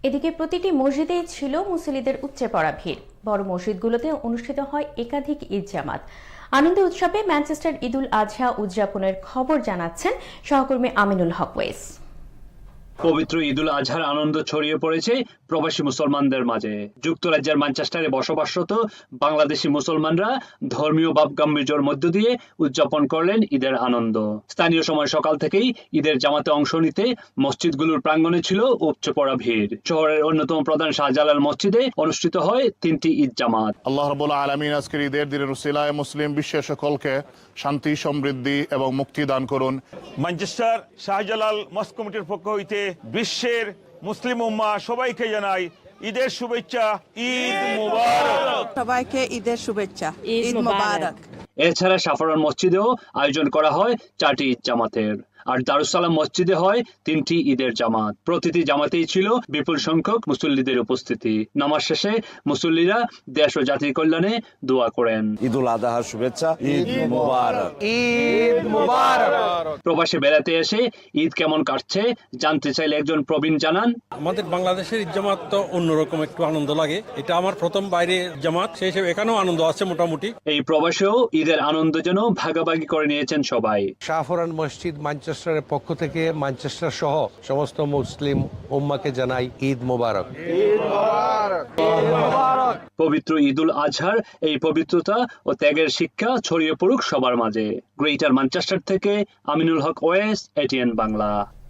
এদিকে প্রতিটি মসজিদেই ছিল মুসল্লিদের উপচে পড়া ভিড়। বড় মসজিদগুলোতে অনুষ্ঠিত হয় একাধিক ঈদ জামাত। আনন্দ উৎসবে ম্যানচেস্টার ঈদুল আজহা উদযাপনের খবর জানাচ্ছেন সহকর্মী আমিনুল হক ওয়েস। পবিত্র ঈদুল আজহার আনন্দ ছড়িয়ে পড়েছে প্রবাসী মুসলমানদের মাঝে। যুক্তরাজ্যের ম্যানচেস্টারে বসবাসরত বাংলাদেশি মুসলমানরা ধর্মীয় ভাব গাম্ভীর্যের মধ্য দিয়ে উদযাপন করলেন ঈদের আনন্দ। স্থানীয় সময় সকাল থেকেই ঈদের জামাতে অংশ নিতে মসজিদগুলোর প্রাঙ্গণে ছিল উপচে পড়া ভিড়। শহরের অন্যতম প্রধান শাহজালাল মসজিদে অনুষ্ঠিত হয় 3টি ঈদ জামাত। আল্লাহ রাব্বুল আলামিন আজকের ঈদের দিনের উসিলায় মুসলিম বিশ্বের সকলকে শান্তি, সমৃদ্ধি এবং মুক্তি দান করুন। ম্যানচেস্টার শাহজালাল মস্ক কমিটির পক্ষ হইতে বিশ্বের মুসলিম উম্মাহ সবাইকে জানাই ঈদের শুভেচ্ছা। ঈদ মুবারক। সবাইকে ঈদের শুভেচ্ছা। ঈদ মুবারক। এছাড়া সাফারান মসজিদেও আয়োজন করা হয় 4টি ঈদ জামাতের। আর দারুসালাম মসজিদে হয় 3টি ঈদের জামাত। প্রতিটি জামাতেই ছিল বিপুল সংখ্যক মুসল্লিদের উপস্থিতি। নামাজ শেষে মুসল্লিরা দেশ ও জাতির কল্যাণে দোয়া করেন। ঈদুল আজহার শুভেচ্ছা। ঈদ মুবারক। ঈদ মুবারক। প্রবাসে বেড়াতে এসে ঈদ কেমন কাটছে জানতে চাইলে একজন প্রবীণ জানান, আমাদের বাংলাদেশের ঈদ জামাত তো অন্যরকম একটু আনন্দ লাগে। এটা আমার প্রথম বাইরে জামাত, সেই হিসেবে এখানেও আনন্দ আছে মোটামুটি। এই প্রবাসেও ঈদের আনন্দ যেন ভাগাভাগি করে নিয়েছেন সবাই। সাফরান মসজিদ ম্যানচেস্টারের পক্ষ থেকে ম্যানচেস্টার সহ সমস্ত মুসলিম উম্মাকে জানাই ঈদ মোবারক। পবিত্র ঈদুল আজহার এই পবিত্রতা ও ত্যাগের শিক্ষা ছড়িয়ে পড়ুক সবার মাঝে। গ্রেটার ম্যানচেস্টার থেকে আমিনুল হক ওয়েস, এটিএন বাংলা।